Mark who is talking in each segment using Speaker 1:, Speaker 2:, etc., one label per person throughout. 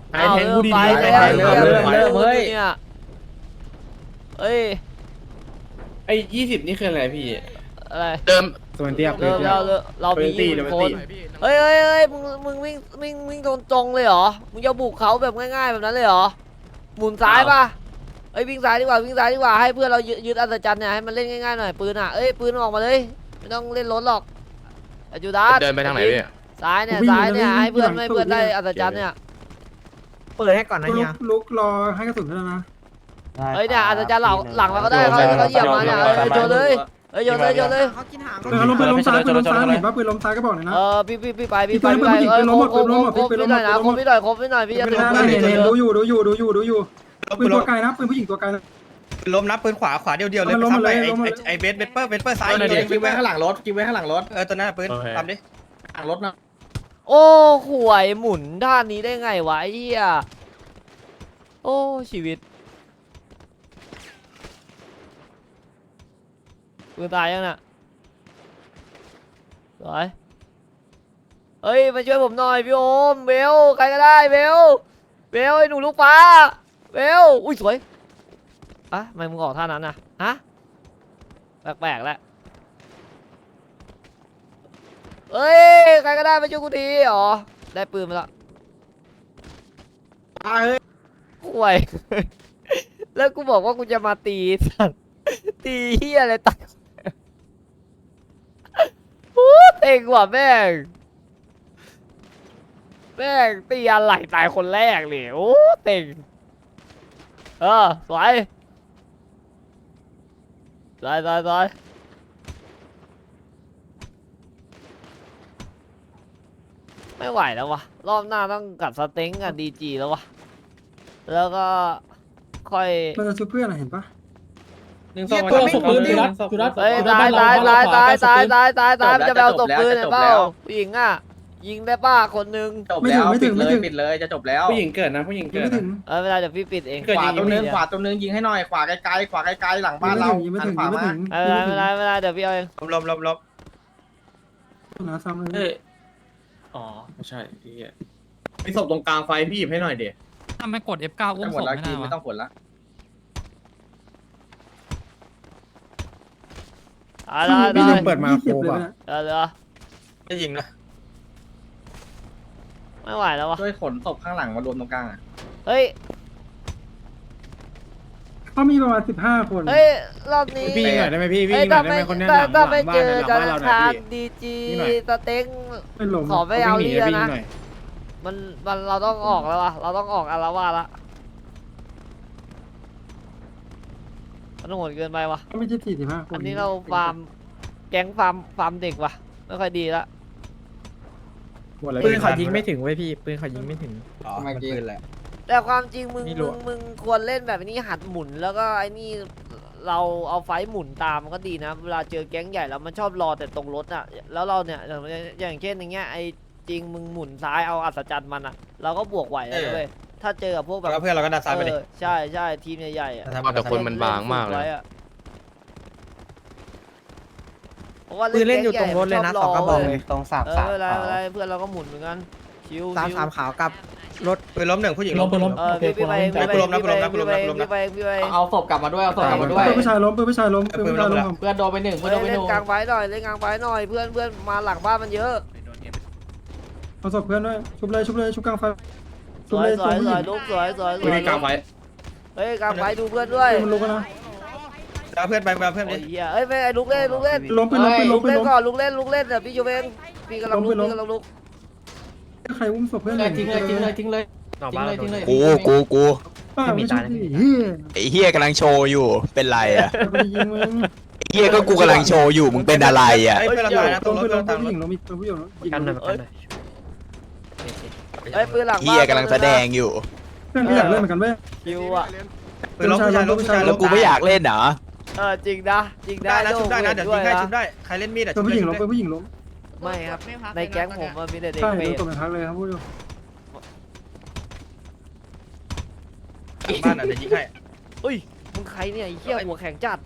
Speaker 1: ไอ้แทงกูดี
Speaker 2: เริ่มเฮ้ยเอ้ย
Speaker 1: ไอ้20นี่คืออะไรพี่
Speaker 2: อะไร
Speaker 3: เดิม
Speaker 1: สมันเตียบ
Speaker 2: เรามี20 คนเฮ้ยมึงวิ่งตรงเลยเหรอมึงจะบุกเขาแบบง่ายๆแบบนั้นเลยเหรอหมุนซ้ายป่ะเอ้ยวิ่งซ้ายดีกว่าให้เพื่อนเรายึดอัศจรรย์เนี่ยให้มันเล่นง่ายๆหน่อยปืนอ่ะเอ้ยปืนออกมาเลยไม่ต้องเล่นรถหรอกจูดาส
Speaker 3: เดินไปทางไหนพี่
Speaker 2: ซ้ายเนี่ยให้เพื่อนได้อัศจรรย์เนี่ย
Speaker 4: เปิดให้ก่อนนะเฮีย
Speaker 5: ลุกรอให้กระสุนด้วยนะ
Speaker 2: เฮ้ยเนี่ยอัศจรรย์หลังเราก็ได้เขาเหยียบมาเนี่ยโยนเลยโยนเลย
Speaker 4: เขากินหาง
Speaker 5: ปืนล้มซ้ายเห็นป่ะปืนล้มซ้ายก็บอกหน่อยนะ
Speaker 2: พี่ไปครบพี่หน่อยนะครบพี่หน่อยพี่จะ
Speaker 5: ไม่ได้ดูอยู่ปืนตัวไกลนะปืนผู้หญิงตัวไกลนะ
Speaker 4: ล้มนะปืนขวาเดียวเลยไปซ้ำไปไอ้เวสเปอร์ซ้าย
Speaker 1: กินไว้ข้างหลังรถกินไว้ข้างหลังรถ
Speaker 4: ตัวนั้นปืนทำดิ
Speaker 1: หลังรถนะ
Speaker 2: โอ้ห่วยหมุนท่านี้ได้ไงวะไอ้เหี้ยโอ้ชีวิตปืนตายยังน่ะสวยเฮ้ยมาช่วยผมหน่อยพี่โอมเบลใครก็ได้เบลไอ้หนูลูกฟ้าเบลอุ้ยสวยอะทำไมมึงออกท่านั้นน่ะฮะแปลกแล้วเฮ้ยใครก็ได้มาช่วยกูทีอ๋อได้ปืนมาแล้วห่วย แล้วกูบอกว่ากูจะมาตีสัตว์ตีเฮียอะไรตัดโอ้เต็งว่ะแม่งตีอะไรตายคนแรกเลยโอ้เต็งสวยไม่ไหวแล้ววะรอบหน้าต้องกัดสเต็งกับดีจีแล้ววะแล้วก็ค่อย
Speaker 5: เราจะช่วยเพื่อนเห็นป่ะ
Speaker 1: 1 2ตัวศพปืนจุด
Speaker 2: เฮ้ยตายจะไปเอาศพปืนเปล่าผู้หญิงอ่ะยิงได้ป้าคนนึง
Speaker 1: จบแล้วปิดเลยจะจบแล้วผู้หญิงเกิดนะผู้หญิงเกิด
Speaker 5: ไม่ถึง
Speaker 2: เวลาเดี๋ยวพี่ปิดเอง
Speaker 1: ขวาตรงนึงยิงให้หน่อยขวาไกลหลังบ้านเรา
Speaker 5: ไม่ถึงไม่ถึง
Speaker 2: เวลาเดี๋ยวพี่เอาเอง
Speaker 4: ล้ม
Speaker 5: นะซ้ำเลย
Speaker 1: อ๋อไม่ใช่พี่มีศพตรงกลางไฟพี่หยิบให้หน่อยเดี๋ยว
Speaker 6: ทำไมกด F9 อุ้ม
Speaker 1: หม
Speaker 6: ศ
Speaker 1: ด
Speaker 6: พ
Speaker 1: แล้ว
Speaker 6: ไม่
Speaker 1: กิ
Speaker 6: ได้
Speaker 1: นไม่
Speaker 6: วะ
Speaker 1: ต้องผลละ
Speaker 5: พี่ยังเปิดมาโคบอ่ะ
Speaker 2: เดี๋ยว
Speaker 4: ไม่ยิงนะ
Speaker 2: ไม่ไหวแล้ววะ
Speaker 1: ช่วยขนศพข้างหลังมารวมตรงกลาง
Speaker 2: เฮ้ย
Speaker 5: เขามีประมาณ15 คน
Speaker 2: รอบนี้
Speaker 1: พี่ยิงหน่อยได้ไหมพี่
Speaker 2: เฮ้ย
Speaker 1: ยิงหน่อยได้ไหมคนนี้หลัง
Speaker 2: ถ้าไม่
Speaker 1: บ้า
Speaker 2: เจ
Speaker 1: น
Speaker 2: อ
Speaker 1: หลัง
Speaker 2: กัน
Speaker 1: บ้านเราหน่
Speaker 2: ทา
Speaker 1: อย
Speaker 2: ง
Speaker 1: พี่
Speaker 2: ดีจี
Speaker 1: ยิงหน่อย
Speaker 2: สเต็ง
Speaker 5: ไม่ล้ม
Speaker 2: ขอไม่เอานี่แล้วนะ
Speaker 1: หน่อย
Speaker 2: มันเราต้องออกแล้ววะเราต้องออกอารวาสละมันโหดเกินไปวะ
Speaker 5: เขาไม่ใช่45 คน
Speaker 2: อันนี้เราฟาร์มแก๊งฟาร์มเด็กว่ะไม่ค่อยดีละ
Speaker 4: ปืนเขายิงไม่ถึงเว้ยพี่ปืนเขายิงไม่ถึง
Speaker 1: ทำไมปืนแหละ
Speaker 2: แต่ความจริงมึง
Speaker 4: นี่รัว
Speaker 2: มึงควรเล่นแบบนี้หัดหมุนแล้วก็ไอ้นี่เราเอาไฟหมุนตามมันก็ดีนะเวลาเจอแก๊งใหญ่แล้วมันชอบรอแต่ตรงรถอ่ะแล้วเราเนี่ยอย่างเช่นอย่างเงี้ยไอ้จริงมึงหมุนซ้ายเอาอัศจรรย์มันอ่ะเราก็บวกไหวแล้วเว้ยถ้าเจอกับพวกแบบ
Speaker 4: แล้วเพื่อนเราก็ดันซ้ายไปดิ
Speaker 2: ใช่ทีมใหญ่ๆอ่ะ
Speaker 3: แต่คนมันบางมากเลย
Speaker 2: เพราะว่า
Speaker 4: ปืนเล่นอยู่ตรงรถเลยนะ2 กระบอกเลย
Speaker 7: ตรงสาม
Speaker 2: เอ
Speaker 7: สาม
Speaker 2: อเวลาเพื่อนเราก็หมุนเหมือนกันชิว
Speaker 4: 3 ขาวกับรถปืนล้ม1ผู้หญิง
Speaker 2: พี่ไปพี่ไป
Speaker 1: เอาศพกลับมาด้วยเอาศพกลับมาด้วย
Speaker 5: ปืนผู้ชายล้มปืนผู้ชายล้ม
Speaker 1: เพื่อนโดนไป1เพื่อนโดนไป
Speaker 2: เล่น
Speaker 1: 1
Speaker 2: กลางไฟหน่อยเล่นกลางไฟหน่อยเพื่อนมาหลังบ้านมันเยอะ
Speaker 5: เอาศพเพื่อนด้วยชุบเลยชุบกลางไฟ
Speaker 2: สวยลุกสวย
Speaker 1: ปืนกลางไฟ
Speaker 2: เฮ้ยกลางไฟดูเพื่อนด้วย
Speaker 5: มันลุกนะ
Speaker 4: แล้วเพื่อนไปเพื่อน
Speaker 2: ไอ้
Speaker 4: ดิ
Speaker 2: เหี้ยเอ้ยไม่ไอ้ลุกเล่น
Speaker 5: ล้มปืน
Speaker 2: ลุ
Speaker 5: ล้
Speaker 2: ก
Speaker 5: ม
Speaker 2: เล่นก่อนลุกเล่นเดี๋ยวพี่จูเองพี่กำลังลุก
Speaker 5: ใครอุ้มศพเพื่อน
Speaker 1: ทิ้งเลย
Speaker 3: กู
Speaker 5: ป้าไม่ใช่เฮีย
Speaker 3: ไอ้เฮียกำลังโชว์อยู่เป็นไรอ่ะ
Speaker 5: ไปยิงมึง
Speaker 3: ไอ้เฮียก็กูกำลังโชว์อยู่มึงเป็นอะไรอ่ะ
Speaker 4: เพื่อนเราตายนะต
Speaker 5: ล้
Speaker 4: รง
Speaker 5: ม
Speaker 4: ร
Speaker 5: ปื
Speaker 4: ถ
Speaker 5: นล้ม
Speaker 4: ตาม
Speaker 5: ผู้
Speaker 4: ร
Speaker 5: ห
Speaker 4: ถ
Speaker 5: ญิงล้มผู้หญิง
Speaker 4: กันหน่อย
Speaker 2: เฮ้ยปืนหลัง
Speaker 3: เฮียกำลังแสดงอยู่
Speaker 5: เพื่อนก็อยากเล่นเหมือนกันเว้ย
Speaker 2: คิวอ่ะ
Speaker 4: ปืนล้มผู้ชายล้ม
Speaker 3: แล้วกูไม่อยากเล่นเหรอ
Speaker 2: จริงนะ
Speaker 4: ได้นะชุบได้นะเดี๋ยวยิงให้ชุบได้ใครเล่นมีดอ่ะ
Speaker 5: เป็นผู้หญิงล้มเป็นผู้หญิงล้ม
Speaker 2: ไม่ครับในแก๊งผมมีแต่เด็ก
Speaker 5: ใช่
Speaker 2: เปร
Speaker 5: โดน
Speaker 2: ต
Speaker 5: ตบในพักเลยครับพูดอยู่
Speaker 4: บ้านอ่ะเดี๋ยวยิงให้
Speaker 2: อุ้ยมึงใครเนี่ยไอ้เหี้ยหัวแข็งจัด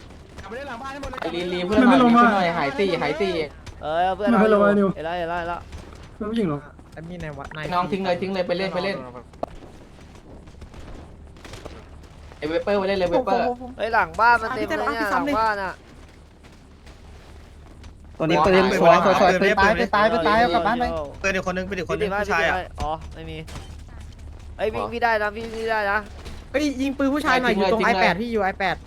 Speaker 1: รีเพื่อนหน่อยหายตี
Speaker 2: เพื่อนเราเห็นแล้ว
Speaker 5: เป็นผู้หญิงล้ม
Speaker 4: มีในวัดใน
Speaker 1: น้องทิ้งเลยไปเล่น
Speaker 6: ไอเวเปอร์ไปเล่นเลยเวเปอร์
Speaker 2: เฮ้ยหลังบ้านมันเต็มเลยเนี่ยหลังบ้านอ่ะ
Speaker 6: ตัวนี้ปืนสวยสวยสวยปืนตายปืนตายปืนตายเอากลับบ้านไป
Speaker 1: เพื่อนอีกคนนึงเป็นอีกคนนึง
Speaker 2: พี่
Speaker 1: ผู้ชายอ่ะ
Speaker 2: อ๋อไม่มีไอ้ยวิ่งพี่ได้นะพี่ได้นะ
Speaker 4: เฮ้ยยิงปืนผู้ชายหน่อยอยู่ตรง i8 พี่อยู่ i8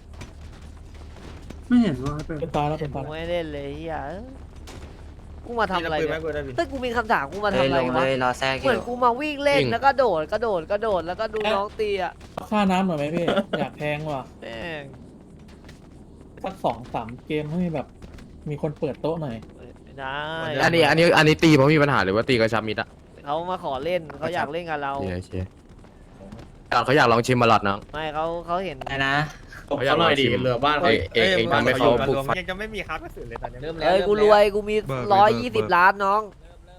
Speaker 5: ไม่เห็นว่าเปิด
Speaker 4: เป็นตายแล้วเป็น
Speaker 2: กู
Speaker 4: ตาย
Speaker 2: ไม่เล่นเลยเฮียกูมาทำอะไร
Speaker 1: ปืนไหม
Speaker 2: เนี่ย
Speaker 1: กูได้พี่
Speaker 2: เฮ้ยกูมีคำถามกูมาทำอะไรวะ
Speaker 6: รอแทรก
Speaker 2: เหมือนกูมาวิ่งเล่นแล้วก็โดดแล้วก็ดูน้องตีอ่ะ
Speaker 4: ค่าน้ำหน่อยไหมพี่ อยากแพงว่ะ
Speaker 2: แม่ง
Speaker 4: สัก2-3 เกมให้แบบมีคนเปิดโต๊ะหน่อย
Speaker 2: ไม่ได้
Speaker 7: อันนี้ตีเพราะมีปัญหาหรือว่าตีกระชับมิดอะ
Speaker 2: เขามาขอเล่นเขาอยากเล่นกับเรา
Speaker 7: โอเคเขาอยากลองชิมมาลอดเนาะ
Speaker 2: ไม่เขาเห็น
Speaker 6: อะไรนะ
Speaker 1: เขาหน่อยดิเหลือบ้านเขา
Speaker 7: เองทำให้เขาปลุกไฟ
Speaker 1: ยังจะไม่มีค้ากระสุนเลยตอนนี้
Speaker 6: เริ่มแล้ว
Speaker 2: เอ้ยกูรวยกูมี120 ล้านน้อง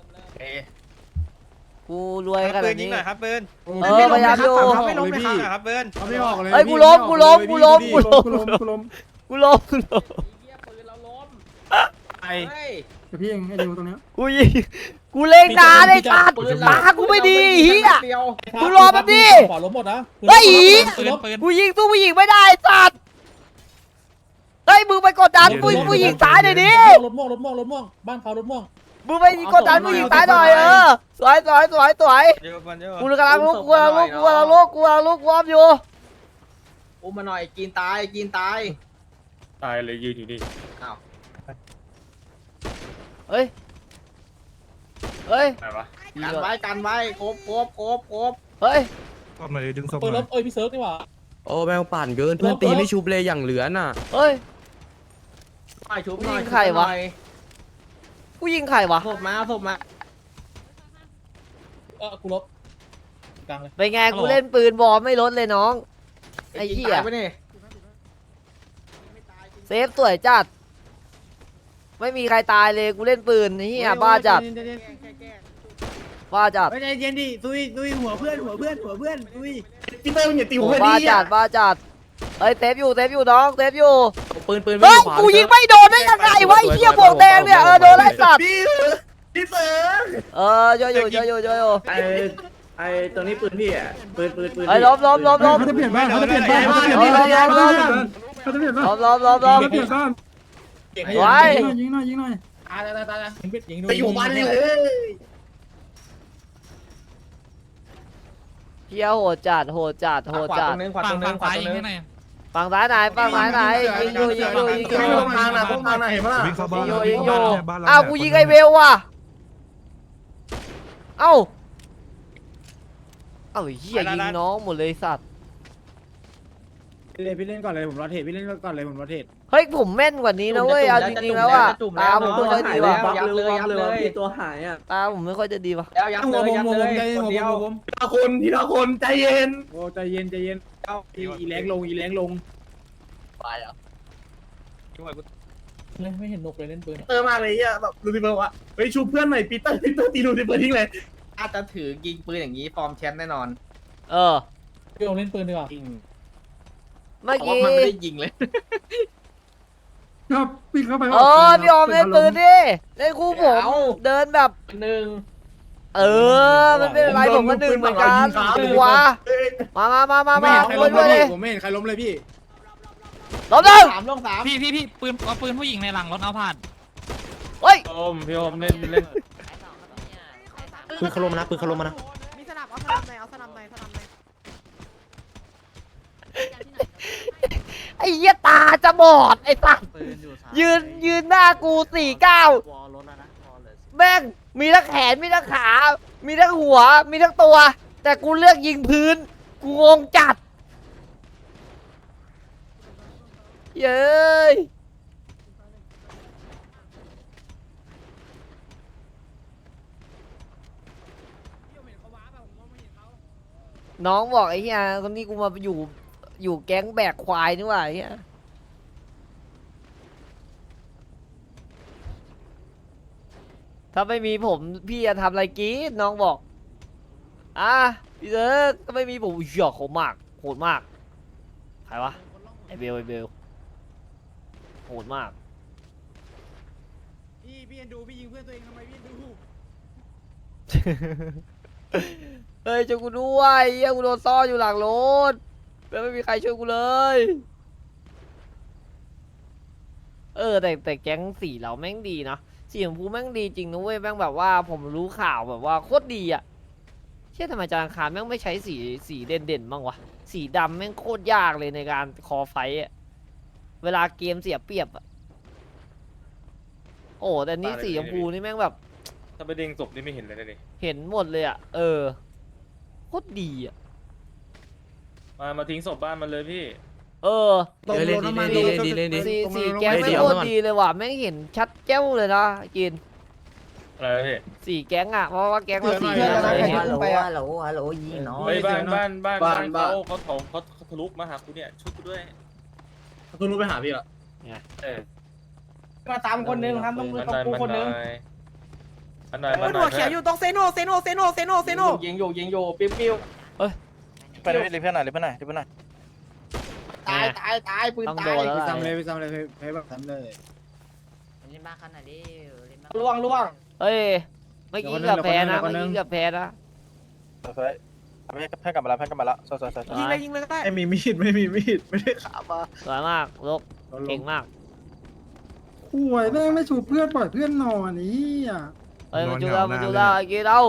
Speaker 2: กูรวยข
Speaker 1: ปื
Speaker 2: นาด
Speaker 1: นยิง
Speaker 2: นี้
Speaker 1: หน่อยครับปืน
Speaker 2: เออพยายามอยู่
Speaker 1: ไม่ล้มเลยครับปืน
Speaker 4: เขาไม่ออกเลย
Speaker 2: เอ้ยกูล้มกูล้ม
Speaker 5: กูล้ม
Speaker 1: ไอ้
Speaker 5: แต่พี่เองไอ้ดิวตรงเนี้ย
Speaker 2: กูยิงกูเล่นนานไอ้สัตว์ตากูไม่ดีเฮียกูรอแป๊บดิ
Speaker 4: ขวาล้มหมดนะ
Speaker 2: เฮ้ย
Speaker 4: ปืนปืน
Speaker 2: กูยิงสู้ผู้หญิงไม่ได้ไอ้สัตว์เฮ้ยมึงไปกดดันผู้หญิงตายหน่อยดิ
Speaker 4: รถม่วงบ้านเขารถม่วง
Speaker 2: มึงไปกดดันผู้หญิงตายหน่อยสวยกูกำลังลุกกูวอร์มอยู่
Speaker 6: อุ้มมาหน่อยกินตายกินตาย
Speaker 1: ตายเลยยืนอยู่นี่
Speaker 2: เฮ้ย
Speaker 1: อะไรวะ
Speaker 6: กันไว้ครบ
Speaker 2: เฮ้ย
Speaker 4: ปืนรถพี่เซิร์ฟนี่หว่า
Speaker 7: โอ้แมวปั่นเกินเพื่อนตีไม่ชุบเลยอย่างเหลือน่ะ
Speaker 2: เฮ้ย
Speaker 6: ไปชุบ
Speaker 2: ผู้หญิงใครวะ กูยิงใครวะ
Speaker 6: ศพมา
Speaker 4: กูลบกลางเลย
Speaker 2: เป็นไงกูเล่นปืนบอลไม่ลดเลยน้องไอ้เหี้ย
Speaker 6: ไปนี่
Speaker 2: เซฟสวยจัดไม่มีใครตายเลยกูเล่นปืนไอ้เหี้ยบ้าจัด
Speaker 4: ใจเย็นดิตุยหัวเพื่อนตุย
Speaker 1: พี่เต้มึงอย่าตีหัว
Speaker 2: บ้า
Speaker 1: ดิ
Speaker 2: จัดเฮ้ยเซฟอยู่น้องเซฟอยู่
Speaker 6: ปืน
Speaker 2: เฮ้ยกูยิงไม่โดนได้ยังไงวะไอ้เหี้ยบวกแดงเนี่ยโดนไล่สัตว์
Speaker 1: พี่เต้
Speaker 2: ช่วยอยู่
Speaker 1: ไอ้ตรงนี้ปืนพี่อ่ะปืน
Speaker 2: เฮ้ยล้ม
Speaker 5: เขาจะเปลี่ยนบ้านเขาจะเปลี่ยนบ้านเขาจะเปลี่ยนบ้านเขาจะเปลี่ยนบ้าน
Speaker 2: ล้ม
Speaker 5: เขาจะเปลี่ยนบ้าน
Speaker 2: ไว้
Speaker 5: ยิงหน่อย
Speaker 4: ยิงดู
Speaker 1: ไปอยู่บ้านเลย
Speaker 2: เหี้ยโหดจัด
Speaker 6: ขวาตรงนึงฝั่งซ้ายยิงให้หน่อย
Speaker 2: ฝั่งซ้ายไหนยิงอยู่
Speaker 1: ไม่ลงทางนะพวกทางนะเห็นปะล่ะ
Speaker 2: ยิงอยู่อ้าวกูยิงไอ้เวลว่ะเอ้าไอ้เหี้ยยิงน้องหมดเลยสัตว์
Speaker 4: พี่เล่นก่อนเลยผมรอเทรดพี่เล่นก่อนเลยผมรอเทรด
Speaker 2: เฮ้ยผมแม่นกว่านี้นะเว้ยเอาจริงๆแล้วอ่ะตาผมไม่ค่อยดีว่ะ
Speaker 6: ยับเลยตัวหายอ่ะ
Speaker 2: ตาผมไม่ค่อยจะดีว่ะ
Speaker 6: แล้วยับเลยคนเดียว
Speaker 1: ทีละคนใจเย็น
Speaker 4: โอ้ใจเย็นอีแรงลง
Speaker 6: ไปอ่ะ
Speaker 4: ไม่เห็นนกเลยเล่นปืน
Speaker 1: เตอร์มาเลยอ่ะแบบลูซิเฟอร์วะเฮ้ยชูเพื่อนหน่อยปีเตอร์ตีลูซิเฟอร์ทิ้งเลย
Speaker 6: ถ้าจะถือยิงปืนอย่างนี้ฟอร์มแชมป์แน่นอน
Speaker 4: พี่ลงเล่นปืนดีกว่า
Speaker 2: เมื่อ
Speaker 6: เพราะ
Speaker 2: กี้
Speaker 6: ว่ามันไม่ได้ยิงเลย
Speaker 5: ครับปีนเข้าไป
Speaker 2: พี่ออมเล่นปืนดิเล่นคู่ผมเดินแบบ
Speaker 6: หนึ่ง
Speaker 2: มันเป็นอะไรผมก็หนึ่งเหมือนกันวะมาด้วยเลย
Speaker 4: ผมไม่เห็นใครล้มเลยพี่
Speaker 2: ล้มเลย
Speaker 6: ลงสาม
Speaker 8: พี่ปืนเอาปืนผู้หญิงในหลังรถเอาผ่าน
Speaker 2: เฮ้ย
Speaker 1: พี่โอมเล่น
Speaker 7: ปืนเขาลมนะปืนเขาลมนะ
Speaker 9: มีสนับเอาสนับหน่อย
Speaker 2: ไอ้เหี้ยตาจะบอดไอ้สัสยืนหน้ากู49แม่งมีทั้งแขนมีทั้งขา มีทั้งหัวมีทั้งตัว แต่กูเลือกยิงพื้นกูงงจัดเย้ยน้องบอกไอ้เหี้ยคนนี้กูมาอยู่แก๊งแบกควายนี่หว่าไอ้เหี้ยถ้าไม่มีผมพี่จะทำอะไรกินน้องบอกพี่เซิร์กถ้าไม่มีผมเหี้ยโหดมากใครวะไอเบลโหดมาก
Speaker 4: พี่เอ็นดูพี่ยิงเพื่อนตัวเองทำไมพี่เอ็นดู
Speaker 2: เฮ้ยจะกูด้วยเหี้ยกูโดนซ่อนอยู่หลังรถแล้วไม่มีใครช่วยกูเลย แต่แก๊งสีเราแม่งดีนะสีชมพูแม่งดีจริงนะเว้ยแม่งแบบว่าผมรู้ข่าวแบบว่าโคตรดีอะเชื่อทำไมจานคารแม่งไม่ใช้สีเด่นๆบ้างวะสีดำแม่งโคตรยากเลยในการคอไฟต์อะเวลาเกมเสียเปรียบอะโอ้แต่นี่สีชมพูนี่แม่งแบบ
Speaker 1: ถ้าไปเด้งศพนี่ไม่เห็นเลยนะนี่
Speaker 2: เห็นหมดเลยอะโคตรดีอะ
Speaker 1: มาทิ้งศพบ้านมันเลยพี่
Speaker 7: เล่นดีเล่นดี
Speaker 2: สีแก๊ง
Speaker 7: เฮ้ย
Speaker 2: ไม่
Speaker 7: เดี๋ยว
Speaker 2: โคตร
Speaker 7: ก่อน
Speaker 2: ดีเลยว่ะแม่งเห็นชัดแก้วเลยนะกิน
Speaker 1: อะไรนะพี่
Speaker 2: สีแก๊งอะเพราะว่าแก๊งเราสี
Speaker 6: เพื่อนเรา
Speaker 2: เห็น
Speaker 6: ฮัลโหล
Speaker 9: ฮัลโหลฮัลโหลยิงน้อย
Speaker 1: เฮ้ยบ้านเขาทะลุมาหากูเนี่ยช่วยกูด้วย
Speaker 5: คุณรู้ไปหาพี่ละ
Speaker 1: เออ
Speaker 6: มาตามคนนึงครับต้องกูคนนึง
Speaker 1: อันไหนมันหัวเขียวอยู่
Speaker 6: ยิงอยู่ปิ้ว
Speaker 7: ไปเลยเพื่อนหน่อยเพื่อนหน่อย
Speaker 6: ตายปืน
Speaker 2: ต้อง
Speaker 6: ตา
Speaker 2: โด
Speaker 6: ย
Speaker 2: นแล้ว
Speaker 5: ไป
Speaker 2: ล่ะ
Speaker 5: ซ้ำเลยไปซ้ำเลยไปแบบซ้ำเลย
Speaker 9: เล่นบ้าขนาดนี้เล่นบ้า
Speaker 6: ล่วง
Speaker 2: เฮ้ยเมื่อกี้เกือบแพ้นะเมื่อกี้เกือบแพ้นะ
Speaker 7: เพื่อนกลับมาแล้วสวย
Speaker 2: ยิงเลยยิงเลย
Speaker 5: ไม่มีมีดไม่มีมีดไม่ได้ขามา
Speaker 2: สวยมากลกเก่งมาก
Speaker 5: ห่วยแม่งไม่ชูเพื่อนปล่อยเพื่อนนอนนี่อ่ะ
Speaker 2: เฮ้ยมาจูเรากีเรา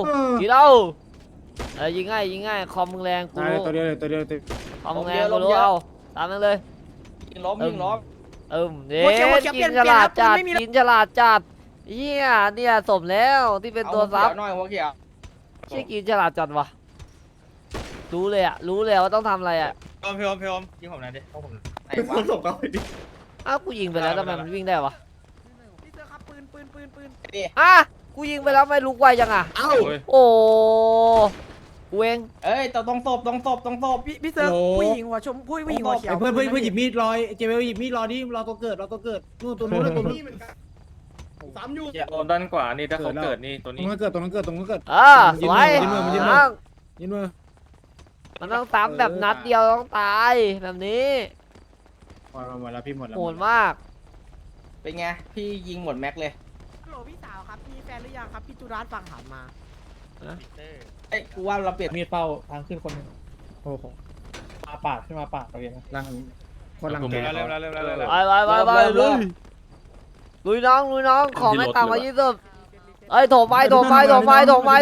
Speaker 2: ยิงง่ายคอมมึงแรงกู
Speaker 5: ตาย
Speaker 2: รู้
Speaker 5: ตัวเดียวเลยตัวเดียว
Speaker 2: คอมมึงแรงกูรู้เอาตามนั้นเลย
Speaker 6: ยิงล้มเด็
Speaker 2: กินฉลาดจัดเฮียเนี่ยสมแล้วที่เป็นตัวซับ
Speaker 6: หน่อยหัวเขียว
Speaker 2: ใช่กินฉลาดจัดวะรู้เลยว่าต้องทำอะไรอะ
Speaker 1: พี่อมยิงผมหน่อยดิ
Speaker 6: ไหนวะ
Speaker 1: ศพเขาไปดิ
Speaker 2: อ้าวกูยิงไปแล้วทำไมมันวิ่งได้วะ
Speaker 6: พี่เสือครับปืน
Speaker 2: กูยิงไปแล้วไม่ลุกไวจังอ่ะ
Speaker 5: เอ้า
Speaker 2: โอ้กูเอง
Speaker 6: เอ้ยต้องศพพี่เสือผู้หญิงหัวชมผู้หญิงหัวเขียว
Speaker 5: เพื่อนหยิบมีดรอยเจเวลหยิบมีดรอดิรอตัวเกิดนู่นตัวนู้นตัวนี้เหมือนกันซ้ำอยู่
Speaker 1: ด้านขวานี่ถ้าเขาเกิดนี่ตัว
Speaker 5: ตร
Speaker 1: นี้
Speaker 5: งนั้นเกิดสวย
Speaker 2: ยินมือ
Speaker 5: ยินมือ
Speaker 2: มันต้องซ้ำแบบนัดเดียวต้องตายแบบนี้
Speaker 5: หมดแล้วพี่หมดแล้ว
Speaker 2: โหดมาก
Speaker 6: เป็นไงพี่ยิงหมดแม็กเลย
Speaker 10: ฮัลโหลพี่สาวครับมีแฟนหรือยังครับพี่จุรัสฟังถามมา
Speaker 6: เอ้ยกูว่าเราเปลี่ยน
Speaker 4: มีดเป้าทางขึ้นคนหนึง
Speaker 5: โอ้โห
Speaker 4: มาปาดขึ้นมาปาดเราเองนะ
Speaker 5: ลังคนลังแก
Speaker 2: ไปลุยน้องขอไม่ต่ำกว่า20เอ้ยโถมไปแม่งรักตัว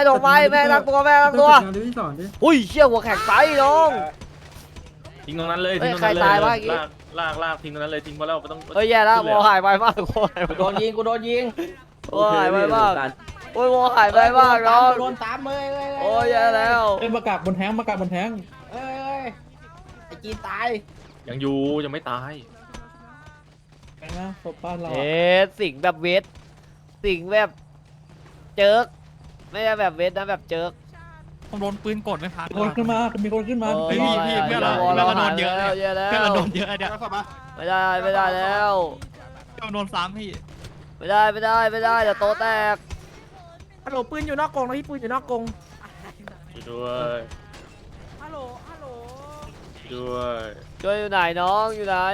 Speaker 5: ที่สอนดิ
Speaker 2: อุ้ยเชี่ยหัวแข็งไปน้อง
Speaker 1: ทิ้งตรงนั้นเลย
Speaker 2: เฮ้ยใครตายวะเมื่อกี้
Speaker 1: ลากทิ้งตรงนั้นเลยทิ้งพอแล้วไม่ต้อง
Speaker 2: เฮ้ยแย่แล้ววอหายไปมาก
Speaker 6: กูโดนยิง
Speaker 2: วอหายไปมากโอ้ยวอหายไปมากน้อง
Speaker 6: โดนตามเลย
Speaker 2: โอ้ยแย่แล้ว
Speaker 4: เอ้ยมากราบบนแท้ง
Speaker 6: เอ้ยไอ้จีนตาย
Speaker 1: ยังอยู่ยังไม่ตาย
Speaker 4: ไปนะศพบ้านเรา
Speaker 2: เอ๊ะสิงแบบเวทสิงแบบเจิกไม่ใช่แบบเวทนะแบบเจิก
Speaker 8: ผมโดนปืนกดไม่พัก
Speaker 4: มีคนขึ้นมา
Speaker 8: เฮ้ยพี่เพื่อนเราโดนเยอะเลย
Speaker 2: แย่แล้ว
Speaker 8: เพื่อนเราโดนเยอะเนี่ย
Speaker 2: ไม่ได้แล้ว
Speaker 8: โดนซ้ำพี่
Speaker 2: ไม่ได้เดี๋ยวโตแตก
Speaker 10: ฮัลโหลปืนอยู่นอกกรงนะพี่ปืนอยู่นอกกรง
Speaker 1: ด้วย
Speaker 10: ฮัลโหล
Speaker 1: ด้วย
Speaker 2: ช่วยอยู่ไหนน้องอยู่ไหน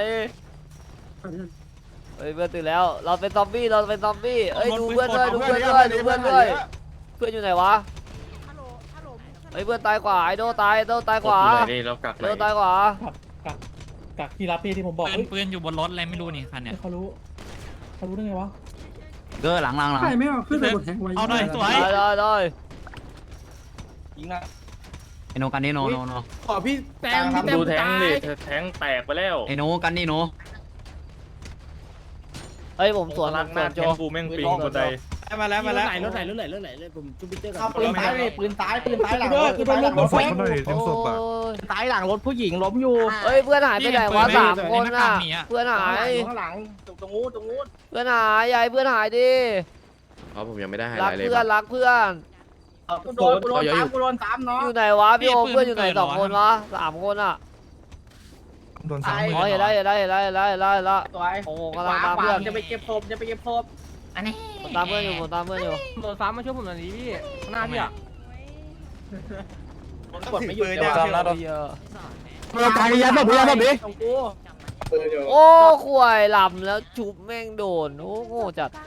Speaker 2: เฮ้ยเพื่อนตื่นแล้วเราเป็นซอมบี้เอ้ยดูเพื่อนด้วยเพื่อนอยู่ไหนวะ
Speaker 10: ฮัลโหลฮัลโหล
Speaker 2: เฮ้ยเพื่อนตายกว่าไอโดตายกว่า
Speaker 1: นี่เรากัก
Speaker 2: ไอโดตายกว่า
Speaker 4: กักที่รับพี่ที่ผมบอก
Speaker 8: ปืนอยู่บนรถอะไรไม่รู้นี่คันเนี่ย
Speaker 4: เขารู้ได้ไงวะ
Speaker 7: เกอร์หลัง
Speaker 5: ใครไม่เอาขึ้นไปบนแทงไว้
Speaker 8: เอาหน่อยสวย
Speaker 2: ได้
Speaker 6: ยิงนะ
Speaker 7: ไอโนกันนี่โน
Speaker 5: ขอพี่แต้ม
Speaker 1: ดูแทงดิแทงแตกไปแล้ว
Speaker 7: ไอโนกันนี่โน
Speaker 2: เฮ้ยผมสวน
Speaker 1: ลักหน้า
Speaker 2: โจ
Speaker 1: แทงกูแม่งปิงคนใด
Speaker 5: มาแล้วรถไหลผมจุ๊บปิ๊กเจอร์
Speaker 6: เข้าปืนตายเลยปืนตายหลังรถ ตายหลังรถผู้หญิงล้มอยู่
Speaker 2: เฮ้ยเพื่อนหายไปไหนวะ3 คนน่ะเพื่อนหาย
Speaker 6: ข้างหลังตรงนู้น
Speaker 2: เพื่อนหายยายเพื่อนหายดิ
Speaker 7: ผมยังไม่ได้
Speaker 2: รักเพื่อน
Speaker 6: กูโดนตามน้อง
Speaker 2: อยู่ไหนวะพี่โอเพื่อนอยู่ไหน2 คนวะ3 คนอ่ะ
Speaker 7: โดน
Speaker 6: ตาย
Speaker 2: อ๋อเห็นแล้ว
Speaker 6: สวย
Speaker 2: โอ้โหกำลังตามเพื่อน
Speaker 6: จะไปเก็บศพ
Speaker 9: อันนี้
Speaker 2: ผมตามเพื่อนอยู่
Speaker 10: โดนฟ้ามาช่วยผมหน่อยดิพี่ข้างหน้าพี่อ่ะ
Speaker 6: กดไม่หยุด
Speaker 7: เดี๋ยวซ้ำนะ
Speaker 5: เราตายยันแบบนี้
Speaker 6: ตรงกู
Speaker 2: โอ้ข่วยหลับแล้วชุบแม่งโดนโอ้โง่จัด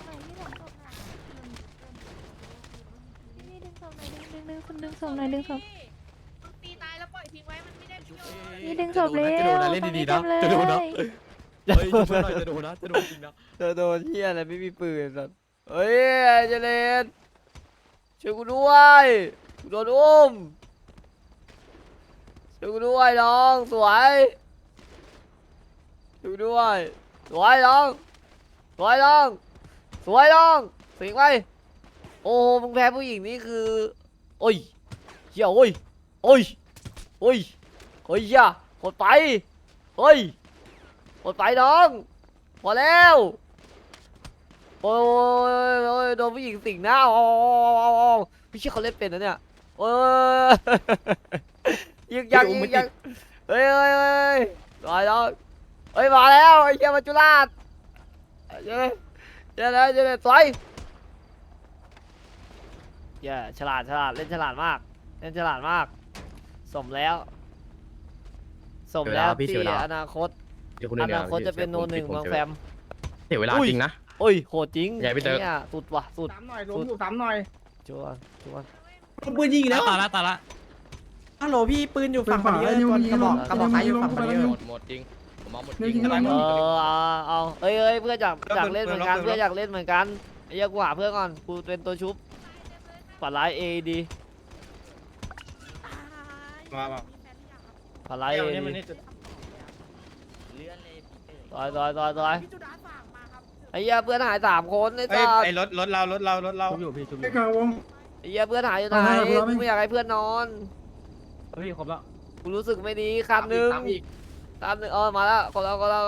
Speaker 11: ดึงศพหน่อยดึงศพตีตายแล้วปล่อยทิ้งไว้มันไม่ได้นี่ดึงศพเลย
Speaker 2: จะโดนนะเล่นดีๆนะจะโดนนะ
Speaker 1: เฮ้ยช่วยหน่อยจะโดนนะจะโดนจริงนะ
Speaker 2: จะโดนเฮียอะไรไม่มีปืนสัตว์เฮ้ยเจเลนช่วยกูด้วยกูโดนอุ้มช่วยกูด้วยน้องสวยช่วยกูด้วยสวยน้องสวยน้องสวยน้องสิงไปโอ้มึงแพ้ผู้หญิงนี่คือโอ้ยเฮียโอ้ยโอ้ยโอ้ยโอ้ยเฮียหดไปเฮ้ยหดไปน้องพอแล้วโอ้ยโอ้ยโดนผู้หญิงสิงหน้าอ๋อพี่เชื่อเขาเล่นเป็นนะเนี่ยโอ้ยยิงยังยิงยังเฮ้ยเฮ้ยเฮ้ยมาแล้วเฮ้ยมาแล้วไอ้เหี้ยมาจุฬาชเย้เย้เลยเย้เลยสวยเย้ฉลาดเล่นฉลาดมากเล่นฉลาดมากสมแล้วที่อนาคตจะเป็นโนหนึ่งเมืองแฟม
Speaker 1: เสียเวลาจริงนะ
Speaker 2: โอ้ยโหดจริง
Speaker 1: ใหญ่พี่เต๋อ
Speaker 2: เนี่ยสุดว่ะสุด
Speaker 5: สามหน่อยล้มอยู่สามหน่อย
Speaker 2: ชัวร์
Speaker 5: ปืนยิงอีกแล้ว
Speaker 8: ตายละตายละ
Speaker 6: ฮัลโหลพี่ปืนอยู่ฝั่งมันเยอะกระบอกซ้ายอยู่ฝั่งมันเยอะ
Speaker 1: หมดจริงผมเอาหมดจ
Speaker 4: เดี๋
Speaker 1: ริ
Speaker 4: ยว
Speaker 1: ง
Speaker 4: ยิงอะไร
Speaker 2: เอาเอ้ยเพื่อนอยากเล่นเหมือนกันเพื่อนอยากเล่นเหมือนกันไอ้เหี้ยกูหาเพื่อนก่อนกูเป็นตัวชุบปัดร้ายเอดี
Speaker 1: มา
Speaker 2: ปัดร้ายเอดี
Speaker 9: เลื่อนเลยพี่เต๋
Speaker 2: ต่อย
Speaker 10: พี่จุดาฝากมาครับ
Speaker 2: ไอ้เหี้ยเพื่อนหาย3 คนไอ้สัส
Speaker 1: ไอ้รถเรา
Speaker 4: อยู่พี่ชุบอยู่ไอ้กาวง
Speaker 2: ไอ้เหี้ยเพื่อนหายอยู่ไหน
Speaker 4: เอาให้เอาให้
Speaker 2: กูไม่อยากให้เพื่อนนอน
Speaker 4: พี่ครบแล้ว
Speaker 2: กูรู้สึกไม่ดีคันหนึ่งมาแล้วก็แล้ว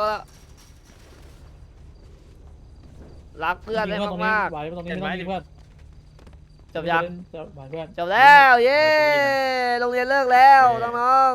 Speaker 2: รักเพื่อนได้มาก
Speaker 4: ไว้ตรงนี้ไม่ต้องมีเพื่อน
Speaker 2: ๆจบยัง
Speaker 4: เพื่อน
Speaker 2: จบแล้วเย้โรงเรียนเลิกแล้วน้อง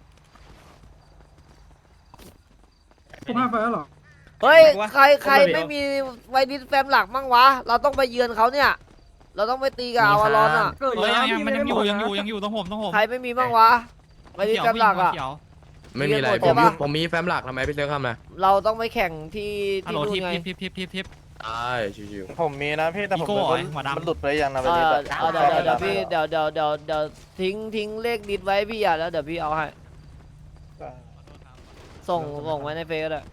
Speaker 4: ผมห้าไฟแล้วหรอ
Speaker 2: ๆเฮ้ยใครไม่มีไวดิสแฟมหลักมั่งวะเราต้องไปเยือนเขาเนี่ยเราต้องไปตีกับอาวารอนอ่ะ
Speaker 6: เกิด
Speaker 8: เฮ้ย
Speaker 6: แล้ว
Speaker 8: มันยังอยู่ต้องผม
Speaker 2: ใครไม่มีบ้างวะไวดิสแฟมหลักอ่ะ
Speaker 1: ไม่มีอะไร
Speaker 2: เรียนหมดใช่ปะ
Speaker 1: ผมมีแฟ้มหลักทำไมพี่เต๋อทำไง
Speaker 2: เราต้องไปแข่งที่
Speaker 8: ฮัลโหล
Speaker 2: นู่นไง
Speaker 8: ทิป
Speaker 1: ใช่ชิว
Speaker 7: ผมมีนะพี่แต่ผม
Speaker 8: อีโก้
Speaker 7: ไม่
Speaker 8: เหรอหัวดำ
Speaker 7: มันหลุดไปยังนะ
Speaker 2: เอ
Speaker 7: ไป
Speaker 2: อ
Speaker 7: ดิ
Speaker 2: เอาเดี๋ยวพี่เดี๋ยวทิ้งเลขดิสไว้พี่อ่ะแล้วเดี๋ยวพี่เอาให้ส่งไว้ในเฟซก็ได้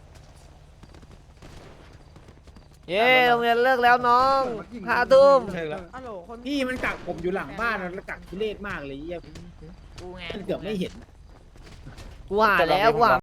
Speaker 2: เย้โรงเรียนเลิกแล้วน้อง5 ทุ่ม
Speaker 6: ฮัลโหลคน
Speaker 5: พี่มันกักผมอยู่หลังบ้านแล้วกักทุเรศมากเลยเหี้ย
Speaker 9: กูไง
Speaker 5: มันเกือบไม่เห็น
Speaker 2: กูหาแล้วกูหา